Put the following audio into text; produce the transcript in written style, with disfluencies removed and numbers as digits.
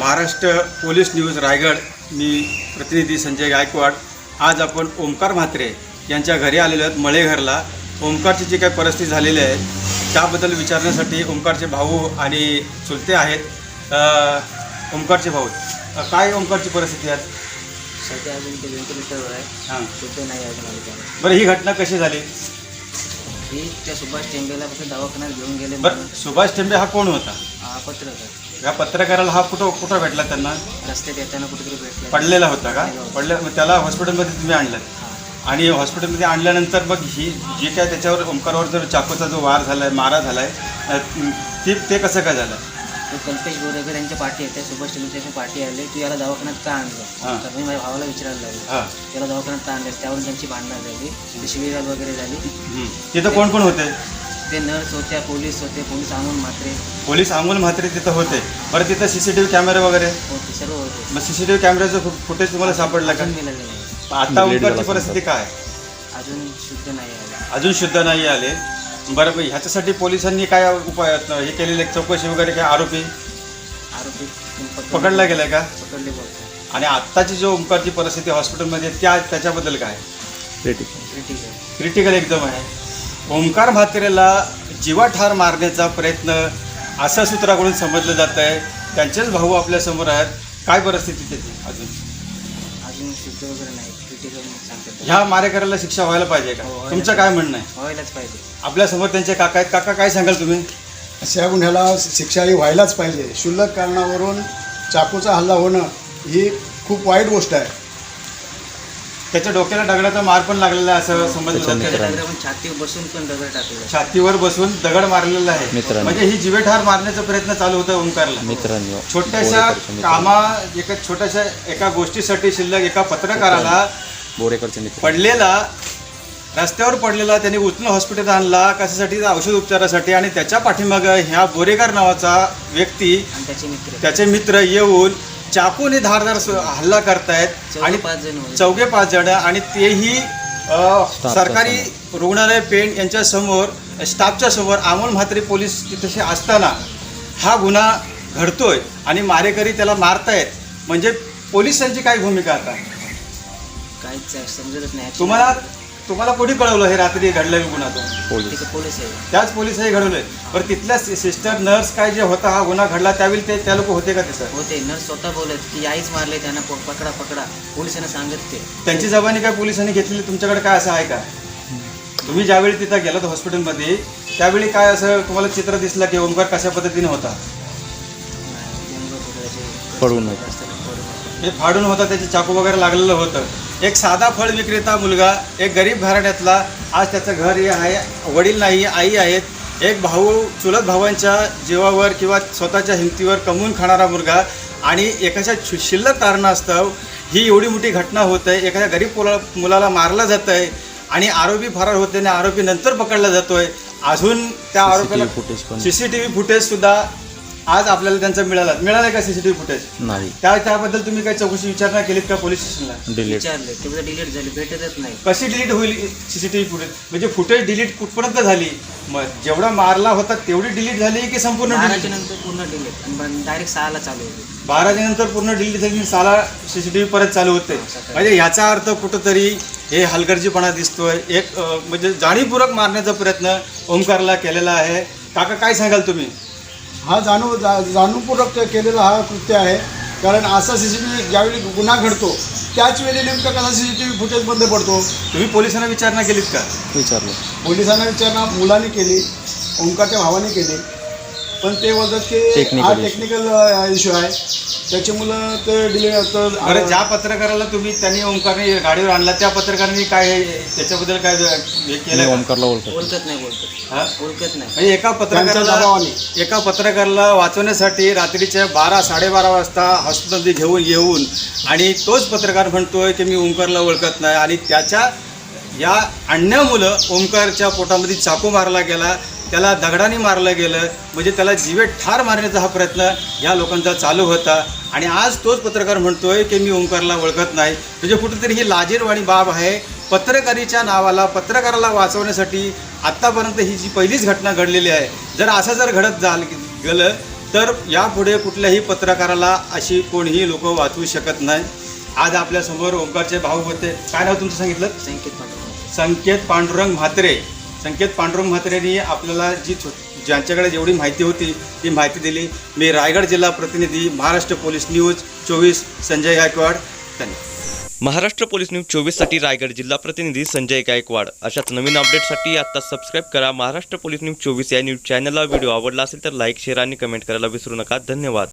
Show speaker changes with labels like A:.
A: Maharashtra police news Raigad. मी प्रतिनिधी संजय गायकवाड. आज आपण ओमकार म्हात्रे यांच्या घरी आलेलो आहेत, मळेघरला. ओमकारची जी काही परिस्थिती झालेली आहे त्याबद्दल विचारण्यासाठी ओमकारचे भाऊ आणि चुलते आहेत. ओमकारचे भाऊ, काय ओमकारची परिस्थिती आहे?
B: सध्या अजून ते व्हेंटिलेटरवर आहे.
A: हां,
B: सुद्धा नाही आहे मला.
A: बरं, ही घटना कशी झाली?
B: ही त्या सुभाष टेंबेला फक्त दवाखान्यात घेऊन गेले.
A: बरं, सुभाष टेंबे हा कोण होता?
B: पत्रकार.
A: या पत्रकाराला हा कुठं भेटला? त्यांना
B: रस्त्यात येताना कुठेतरी भेटला.
A: पडलेला होता का? मग त्याला हॉस्पिटलमध्ये तुम्ही आणलं आणि हॉस्पिटलमध्ये आणल्यानंतर मग ही जी काय त्याच्यावर ओमकारवर जर चाकूचा जो वार झाला आहे, मारा झाला आहे, ते कसं काय झालं?
B: तो कल्पेश गोरेकर यांच्या पार्टी आहे, त्या सुभाष टेंबेच्या पार्टी आले. तू याला दवाखान्यात का आणलं? तर मी माझ्या भावाला विचारायला लागलो, त्याला दवाखान्यात का आणलं? त्यावरून त्यांची भांडणं झाली, शिवीगाळ वगैरे झाली.
A: तिथं कोण कोण होते?
B: ते नर्स होत्या, पोलीस होते, पोलीस अमोल म्हात्रे.
A: पोलीस अमोल म्हात्रे तिथं होते. बरं, तिथं CCTV कॅमेरे वगैरे
B: होते, सर्व होते.
A: मग CCTV कॅमेऱ्याचं फुटेज तुम्हाला सापडलं का?
B: मिळालेलं नाही.
A: आता ओमकारची परिस्थिती काय?
B: अजून शुद्ध नाही आले.
A: अजून शुद्ध नाही आले. बरं, ह्याच्यासाठी पोलिसांनी काय उपाय हे केलेले, चौकशी वगैरे? काय आरोपी पकडला गेलाय का?
B: पकडले बोलतो.
A: आणि आत्ताची जो ओमकारची परिस्थिती हॉस्पिटलमध्ये त्याच्याबद्दल काय? क्रिटिकल एकदम आहे. ओमकार म्हात्रेला जीवाठार मारण्याचा प्रयत्न अशा सूत्राकडून समजलं जात आहे. त्यांचेच भाऊ आपल्यासमोर आहेत. काय परिस्थिती त्याची?
B: अजून शुद्ध वगैरे नाही, क्रिटिकल सांगतात.
A: ह्या मारेकऱ्याला शिक्षा व्हायला पाहिजे का? तुमचं काय म्हणणं आहे?
B: व्हायलाच पाहिजे.
A: आपल्यासमोर त्यांचे काका आहेत. काका, काय सांगाल तुम्ही?
C: अशा गुन्ह्याला शिक्षा ही व्हायलाच पाहिजे. क्षुल्लक कारणावरून चाकूचा हल्ला होणं ही खूप वाईट गोष्ट आहे.
A: त्याच्या डोक्याला दगडाचा मार पण लागलेला आहे असं समजलं जातं.
B: छातीवर बसून पण दगड टाकले.
A: छातीवर बसून दगड मारलेला आहे. म्हणजे ही जीवेठार मारण्याचा प्रयत्न चालू होता ओमकारला. छोट्याशा एका गोष्टीसाठी शिल्लक एका पत्रकाराला पडलेला, रस्त्यावर पडलेला, त्यांनी उचलून हॉस्पिटल आणला कशासाठी? औषध उपचारासाठी. आणि त्याच्या पाठीमागं ह्या बोरेकर नावाचा व्यक्ती, त्याचे मित्र येऊन चाकूने धारदार हल्ला करतायत. आणि 5 जण, आणि तेही सरकारी रुग्णालय पेण यांच्या समोर, स्टाफच्या समोर. अमोल म्हात्रे पोलीस तिथे असताना हा गुन्हा घडतोय आणि मारेकरी त्याला मारतायत. म्हणजे पोलिसांची काय भूमिका आता?
B: काहीच समजतच नाही.
A: तुम्हाला कोणी कळवलं हे रात्री घडलेलं गुन्हा?
B: पोलीस आहे.
A: त्याच पोलिसही घडवलंय. बरं, तिथल्या सिस्टर, नर्स काय जे होता हा गुन्हा घडला त्यावेळी त्या लोक होते का? तिथं
B: होते. नर्स स्वतः बोलत की आईच मारले त्यांना, पकडा. पोलिसांना सांगत ते.
A: त्यांची जबानी काय पोलिसांनी घेतलेली? तुमच्याकडे काय असं आहे का? तुम्ही ज्यावेळी तिथं गेलात हॉस्पिटलमध्ये त्यावेळी काय असं तुम्हाला चित्र दिसलं की ओमकार कशा पद्धतीने होता? हे फाडून होता, त्याचे चाकू वगैरे लागलेलं होतं. एक साधा फळ विक्रेता मुलगा, एक गरीब घराण्यातला, आज त्याचं घर हे आहे, वडील नाही, आई आहेत, एक भाऊ, चुलत भावांच्या जीवावर किंवा स्वतःच्या हिमतीवर कमवून खाणारा मुलगा. आणि एखाद्या शिल्लक कारणास्तव ही एवढी मोठी घटना होत आहे. एखाद्या गरीब मुलाला मारलं जातं आहे आणि आरोपी फरार होते आणि आरोपी नंतर पकडला जातोय. अजून त्या आरोपीला CCTV फुटेजसुद्धा आज आपल्याला त्यांचा मिळाला का? CCTV फुटेज
D: नाही.
A: त्याबद्दल तुम्ही काही चौकशी विचारणा केलीत का पोलीस स्टेशनला?
B: विचारले, तेवढं डिलीट झाली, भेटतच नाही.
A: कशी डिलीट होईल CCTV फुटेज? म्हणजे फुटेज डिलीट कुठपर्यंत झाली? मग जेवढा मारला होता तेवढी डिलीट झाली की संपूर्ण?
B: 12च्या नंतर पूर्ण डिलीट, डायरेक्ट 6ला चालू होते.
A: 12च्या नंतर पूर्ण डिलीट झाली, 6ला CCTV परत चालू होते. म्हणजे याचा अर्थ कुठंतरी हे हलगर्जीपणा दिसतोय. एक म्हणजे जाणीवपूर्वक मारण्याचा प्रयत्न ओमकारला केलेला आहे. काका, काय सांगाल तुम्ही?
C: हा जाणूनपूर्वक केलेला हा कृत्य आहे. कारण असा CCTV ज्यावेळी गुन्हा घडतो त्याच वेळी नेमका कसा CCTV फुटेज बंद पडतो?
A: तुम्ही पोलिसांना विचारणा केलीत का?
D: विचारलं.
C: पोलिसांना विचारणा मुलाने केली, ओमकारच्या भावाने केली. पण ते बोलतात की हा टेक्निकल इश्यू आहे, त्याची मुलं ते डिलीट.
A: बरं, ज्या पत्रकाराला त्यांनी ओमकारने गाडीवर आणला त्या पत्रकारांनी काय त्याच्याबद्दल काय हे केलं?
D: ओमकारला
B: ओळखत नाही.
A: म्हणजे एका पत्रकाराला वाचवण्यासाठी रात्रीच्या 12-12:30 वाजता हॉस्पिटलमध्ये घेऊन येऊन आणि तोच पत्रकार म्हणतोय की मी ओमकारला ओळखत नाही. आणि त्याच्या या आणण्यामुळं ओमकारच्या पोटामध्ये चाकू मारला गेला, त्याला दगडाने मारलं गेलं. म्हणजे त्याला जीवे ठार मारण्याचा हा प्रयत्न या लोकांचा चालू होता. आणि आज तोच पत्रकार म्हणतोय की मी ओमकारला ओळखत नाही. म्हणजे कुठेतरी ही लाजिरवाणी बाब आहे. पत्रकारीच्या नावाला, पत्रकाराला वाचवण्यासाठी आत्तापर्यंत ही जी पहिलीच घटना घडलेली आहे. जर असं घडत गेलं तर यापुढे कुठल्याही पत्रकाराला अशी कोणीही लोक वाचवू शकत नाही. आज आपल्यासमोर ओंकारचे भाऊ होते. काय नाव तुमचं सांगितलं? संकेत पांडुरंग म्हात्रे. संकेत पांडुरंग म्हात्रेंनी आपल्याला ज्यांच्याकडे जेवढी माहिती होती ती माहिती दिली. मी रायगड जिल्हा प्रतिनिधी, महाराष्ट्र पोलीस न्यूज 24 संजय गायकवाड. धन्यवाद.
D: महाराष्ट्र पोलीस न्यूज 24साठी रायगड जिल्हा प्रतिनिधी संजय गायकवाड. अशाच नवीन अपडेटसाठी आता सबस्क्राईब करा महाराष्ट्र पोलीस न्यूज 24 या न्यूज चॅनलला. व्हिडिओ आवडला असेल तर लाईक, शेअर आणि कमेंट करायला विसरू नका. धन्यवाद.